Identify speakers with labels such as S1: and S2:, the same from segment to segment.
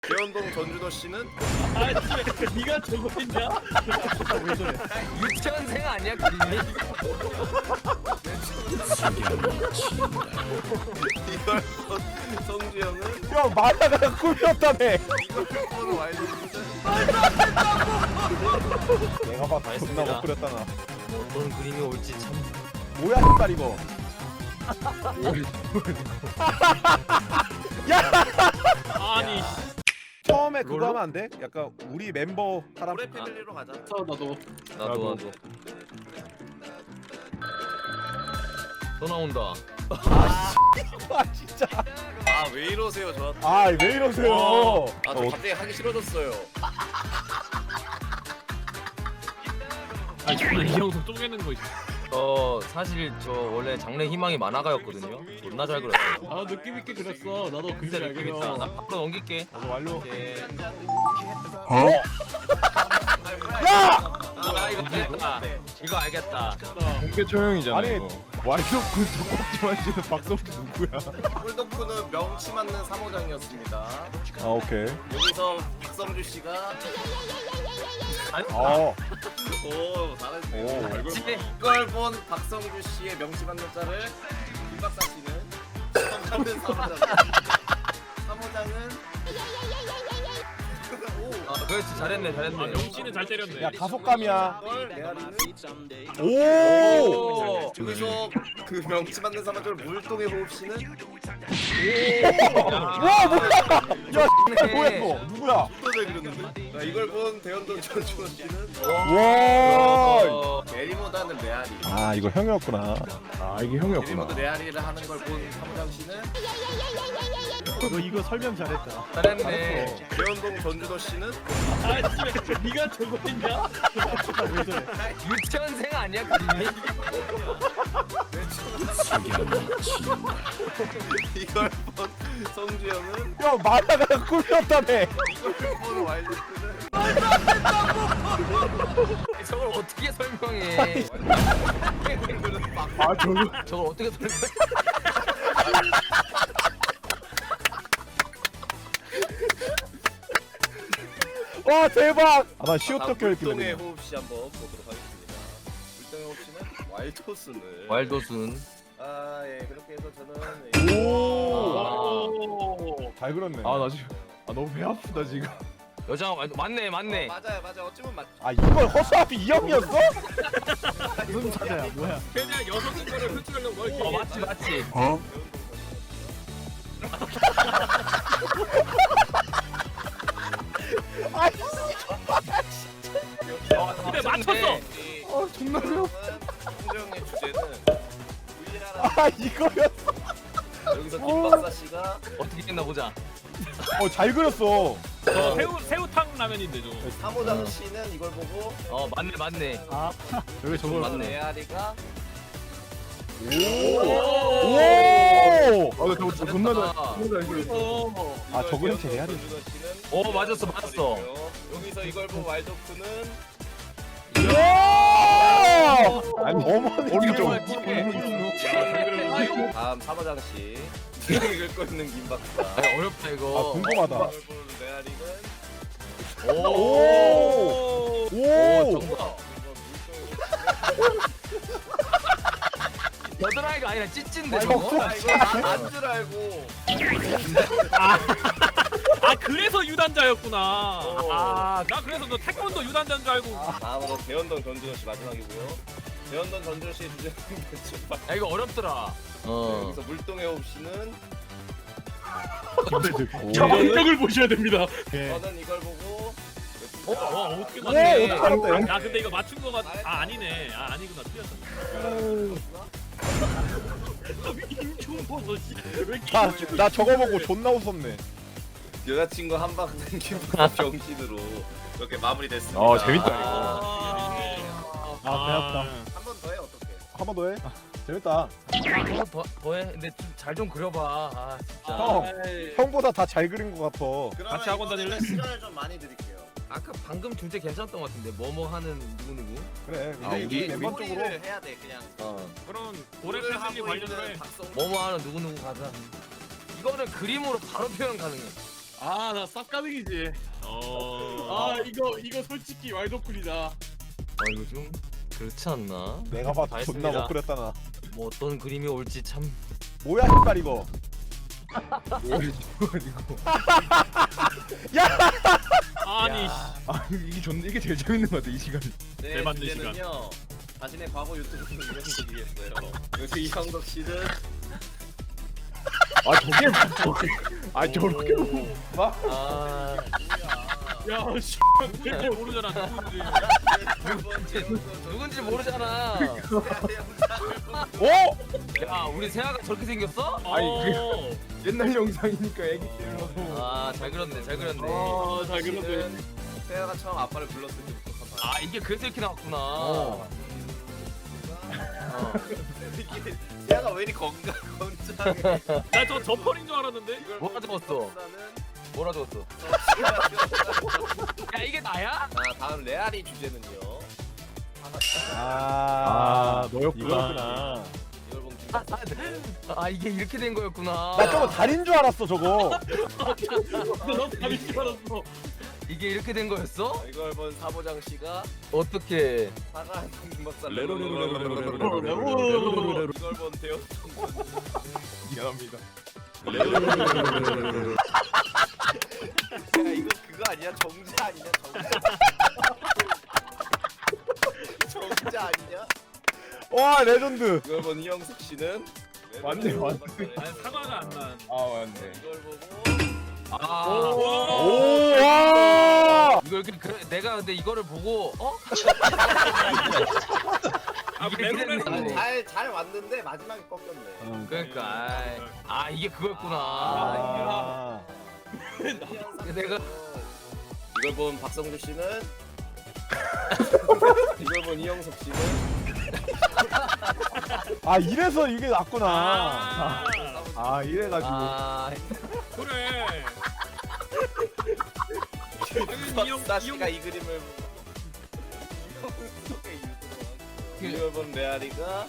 S1: 대현동 전준호 씨는
S2: 아씨, 네가 저거 했냐? 왜 저래?
S3: 유치원생 아니야 그림이?
S1: 이걸본 성주형은
S4: 야 만화가 꿀렸다며.
S1: 이걸본 와일드는
S4: 내가 봐도 존나 못 그렸다 나.
S3: 어떤 그림이 올지 참.
S4: 뭐야 신발 이거.
S2: 아니,
S4: 처음에 그거 하면 안 돼? 약간 우리 멤버 사람.
S1: 올해 패밀리로 가자.
S2: 나도.
S3: 나도. 또 나온다.
S4: 아 진짜.
S1: 아 왜 이러세요 저한테.
S4: 아 왜 이러세요?
S1: 아저 갑자기 하기 싫어졌어요.
S2: 아니, 저는 이 형도 쪼개는 거 있어.
S3: 사실 저 원래 장래 희망이 만화가였거든요. 존나 잘 그렸어요.
S2: 아, 느낌 있게 그렸어. 나도 그림
S3: 진짜
S2: 잘
S3: 느낌
S2: 그려.
S3: 있다. 나 밖으로 넘길게.
S4: 나도 완료.
S3: 오케이.
S4: 야!
S3: 나 이거 알겠다. 이거 알겠다.
S5: 공개 처형이잖아.
S4: 아니
S5: 이거.
S4: 와이드오픈 족박지만 지는 박성주 누구야?
S1: 꿀덕후는 명치 맞는 3호장이었습니다.
S4: 아 오케이.
S1: 여기서 박성주 씨가
S4: 어.
S1: 오 잘했네.
S4: 오.
S1: 이걸 본 박성주 씨의 명치 맞는 자를 김박사 씨는 처음 찾는 3호장. 3호장은
S3: 그렇지 잘했네
S2: 아,
S3: 잘했네.
S2: 명치는 잘 때렸네.
S4: 야 다속감이야.
S1: 이걸 메아리는
S4: 오.
S1: 여기서 그 명치 맞는 3호장을 물동의 호흡 씨는
S4: 와 뭐야? 야 뭐야 이거? 누구야?
S1: 또잘 그렸는데? 자, 이걸 본 대현동 전준호 씨는
S4: 와.
S1: 게리모다는 메아리.
S4: 아 이거 형이었구나.
S5: 아 이게 형이었구나.
S1: 게리모드 메아리를 하는 걸 본 3호장 씨는
S4: 너 이거 설명 잘했다.
S3: 잘했네.
S1: 대현동 전준호 씨는
S2: 아씨, 네가 저거 했냐? 왜 저래?
S3: 유치원생 아니야 그림이?
S1: 이걸 본 성주형은
S4: 야 만화가 꿀렸다며.
S1: 이걸 본 와일드는
S3: 저걸 어떻게 설명해?
S4: 아 저거.
S3: 저걸 어떻게 설명해?
S4: 와 대박. 아나 시옷덕
S1: 물동의
S4: 껴있길래.
S1: 호흡 씨 한번 보도록 하겠습니다. 물동의 호흡 씨는 와일드호스는
S3: 와일도순.
S1: 예 그렇게 해서 저는
S4: 오. 잘 그렸네.
S5: 나 지금 너무 배 아프다 지금.
S3: 여자 맞네.
S1: 맞아요 어쩌면 맞.
S4: 아 이걸 허수아비 이 형이었어?
S2: 무슨 사자야, 뭐야? 그냥 여성 거를 흡수하려고 뭘 이렇게
S3: 맞지.
S2: 근데 맞췄어.
S4: 존나 어려워.
S1: 성주형의 주제는
S4: 아 이거였어.
S1: 여기서 김박사 씨가
S3: 어떻게 했나 보자.
S4: 잘 그렸어.
S2: 저 새우탕 라면인데 저거.
S1: 3호장 씨는 이걸 보고
S3: 맞네.
S5: 여기 저걸
S3: 맞네.
S1: 메아리가
S4: 오.
S5: 나 저거 존나 잘
S3: 아,
S5: 존나 잘 그렸어.
S4: 아 저거 형체 레알이.
S1: 전준호 씨는
S3: 오 맞았어.
S1: 여기서 이걸 본 와일드호스는
S4: 아니 어머니
S5: 어리 좀.
S1: 다음 3호장 씨 읽고 있는 김박사.
S3: 아니, 어렵다
S4: 아
S3: 이거.
S4: 궁금하다.
S1: 이걸 본 메아리는
S4: 오. 오.
S3: 정답. 겨드랑이가 아니라 찌찐데 저거?
S1: 아 이거 난줄 알고
S2: 아, 그래서 유단자였구나. 아, 나 그래서 너 태권도 유단자인 줄 알고.
S1: 다음으로 대현동 전준호 씨 마지막이고요. 대현동 전준호 씨의 주제는 대충
S3: 야 이거 어렵더라.
S1: 여기서 물동의 호흡 씨는
S2: 정력을 보셔야 됩니다.
S1: 저는 이걸 보고
S2: 어떻게
S4: 오,
S2: 맞네.
S4: 어떻게 알았대?
S2: 야, 근데 이거 맞춘 거 같. 아, 아니네. 아, 아니구나. 틀렸다. 임충버섯 씨. 왜 이렇게
S4: 나 저거 보고 존나 웃었네.
S1: 여자친구 한방 당기고 정신으로 이렇게 마무리됐습니다.
S5: 재밌다,
S2: 아,
S4: 배 아프다.
S1: 한 번 더 해 어떻게?
S4: 한 번 더 해. 재밌다.
S3: 더해. 근데 잘 좀 그려봐. 아 진짜.
S4: 형.
S2: 에이.
S4: 형보다 다 잘 그린 것 같아.
S1: 그러면
S2: 같이 학원
S1: 이번에는
S2: 다닐래?
S1: 시간을 좀 많이 드릴게요.
S3: 아까 방금 주제 괜찮았던 것 같은데 뭐뭐 하는 누구.
S4: 그래.
S1: 근데
S4: 우리
S1: 이게
S4: 멤버 쪽으로.
S1: 소리를 해야 돼 그냥.
S2: 그런 고래
S1: 오늘
S2: 패밀리
S1: 하고
S2: 관련으로 해.
S1: 있는 박성.
S3: 뭐뭐 하는 누구 가자. 이거는 그림으로 바로 표현 가능해.
S6: 나 쌉가능이지. 이거 솔직히 와이드오픈이다.
S3: 아 이거 좀 그렇지 않나?
S4: 내가 봐도
S3: 다
S4: 존나
S3: 했습니다.
S4: 못 그렸다 나.
S3: 뭐 어떤 그림이 올지 참.
S4: 뭐야 신발 이거.
S2: 아니
S5: 아 이게 제일 재밌는 것 같아 이 시간.
S1: 네,
S2: 잘 만든
S1: 주제는요. 자신의 과거 유튜브 이형석이겠어요. 여기서 이형석 씨는
S5: 아 저게 아 저렇게
S3: 아
S6: 야, 씨.
S2: 잘 모르잖아 누군지.
S3: 누군지 모르잖아.
S4: 오!
S3: 야 우리 세아가 저렇게 생겼어?
S2: 어.
S5: 옛날 영상이니까 애기 때라서.
S3: 아 잘 그렸네 잘 그렸네.
S6: 잘 그렸네.
S1: 세아가 처음 아빠를 불렀을 때부터
S3: 아 이게 그래서 이렇게 나왔구나.
S1: 이게 세아가 왜 이리 건강해?
S2: 나저 저펄인 줄 알았는데.
S1: 이걸
S3: 뭐가 적었어? 뭐라 적었어? 야 이게 나야?
S1: 자, 다음 레알이 주제는요.
S5: 너였구나.
S4: 이거구나.
S1: 이걸 본
S3: 아 이게 이렇게 된 거였구나.
S4: 나 저거 달인 줄 알았어 저거.
S6: 너 답인 줄 알았어.
S3: 이게 이렇게 된 거였어?
S1: 이걸 본 사보장 씨가
S3: 어떻게?
S1: 사과 김박사
S6: 오.
S1: 이걸 본 대현
S5: 미안합니다.
S1: 야 이거 그거 아니야? 정자 아니냐? 정자 아니냐?
S4: 와 레전드.
S1: 이걸 본 이영숙 씨는
S5: 맞네, 맞네.
S2: 아니 사과가 안 난.
S5: 아 맞네.
S1: 이걸 보고
S3: 아.
S4: 오 와.
S3: 이거 이렇게 내가 근데 이거를 보고 어?
S2: 아
S3: 이게
S2: 레로레로.
S3: 그랬네.
S1: 잘 왔는데 마지막에 꺾였네.
S3: 그러니까 아 이게 그거였구나.
S4: 아.
S3: 내가
S1: 이걸 본 박성주 씨는 이걸 본 이영석 씨는
S4: 아 이래서 이게 낫구나.
S2: 아
S5: 이래가지고.
S3: 아
S2: 그래.
S1: 박사 씨가 이 그림을 보고 이영석의 유튜브 이걸 본 레알이가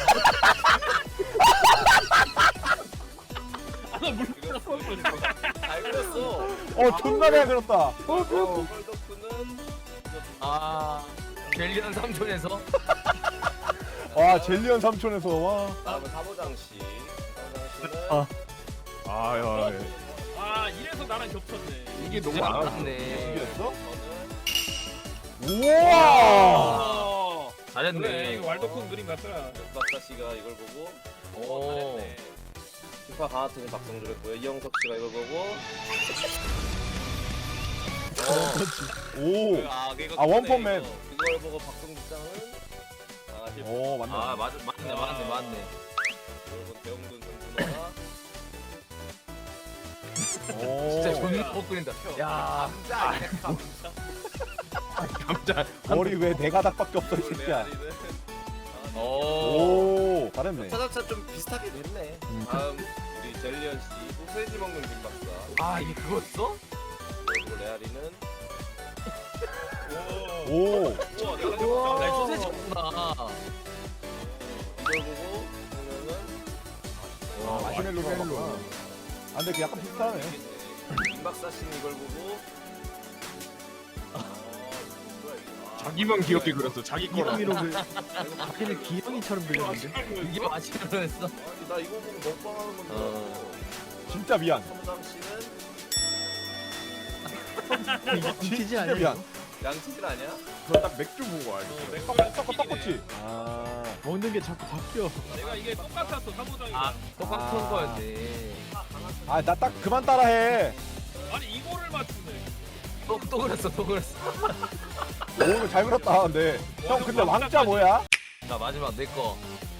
S1: 잘 그렸어.
S4: 존나 잘 그렸다.
S1: 헐더프는
S3: 아 젤리한 삼촌에서
S4: 와 젤리언 삼촌에서 와.
S1: 다음은 사보장 씨. 사보장 씨는
S5: 아. 아야.
S2: 아 이래서 나랑 겹쳤네.
S5: 이게 너무
S3: 진짜
S5: 안
S3: 많았네.
S4: 이겼어?
S1: 저는
S4: 우와.
S2: 그래
S3: 잘했네.
S2: 이거 왈도쿤 그림 같더라.
S1: 박사 씨가 이걸 보고
S3: 오.
S1: 피파 강화팀의 박성주를 했고요. 이영석 씨가 이걸 보고
S4: 오.
S1: 이거
S4: 아, 원펀맨.
S1: 이걸 보고 박성주 짱은 강아지
S4: 오 맞네.
S3: 아 맞네.
S1: 이걸 본 대웅군 선수가
S4: 오.
S3: 진짜 존나 못 그린다. 야
S1: 감자 아니야 감자.
S5: 감자.
S4: 머리 왜 네 가닥밖에 없어 이
S1: 이걸
S4: 새끼야.
S1: 레알이는
S3: 오.
S4: 오 잘했네.
S1: 차차차 좀 비슷하게 됐네. 다음 우리 젤리언 씨 소세지 먹는 김박사.
S3: 아 이게 그거였어?
S1: 그리고 레알이는
S4: 오.
S3: 나 이 소세지였구나.
S1: 이걸 보고 보면은
S4: 와 마시멜로가 멜로. 아 근데 그 약간 비슷하네.
S1: 김박사 씨는 이걸 보고
S5: 자기만 귀엽게 그렸어. 자기 거라.
S7: 자기는 기영이처럼 그렸는데.
S3: 이게 마시멜로였어?
S1: 아니 나 이거 보고 먹방하는 건데.
S4: 진짜 미안.
S1: 삼장 씨는
S7: 이티지
S4: 진짜
S7: 아니야?
S4: 미안.
S1: 양치질 아니야?
S5: 저딱 맥주 보고 알겠어.
S4: 떡꼬치. 아.
S7: 먹는 게 자꾸 바뀌어.
S2: 내가 이게 똑같았어 사무장이.
S3: 아 똑같은
S4: 아.
S3: 거였네.
S4: 아 나 딱 그만 따라해.
S2: 아니 이거를 맞추네.
S3: 또 그랬어.
S4: 오 이거 잘 그렸다. 근데 형 근데 왕자 뭐야?
S3: 자 마지막 내 거.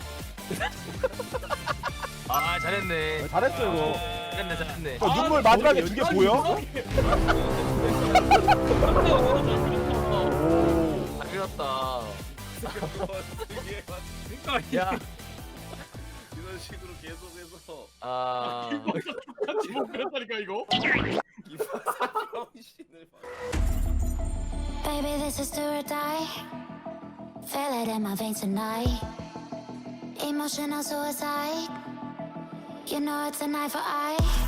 S3: 아 잘했네.
S4: 잘했어 이거.
S3: 잘했네.
S4: 저 눈물 마지막에 두 개 보여? 오.
S3: 잘 그렸다.
S1: 이게
S2: 그러니까
S3: 야.
S1: 이런 식으로 계속해서
S3: 아.
S6: 같이 못 그렸다니까 이거.
S1: 김박사 병신을 봐.
S8: Baby, this is do or die. Feel it in my veins tonight. Emotional suicide. You know it's an eye for eye.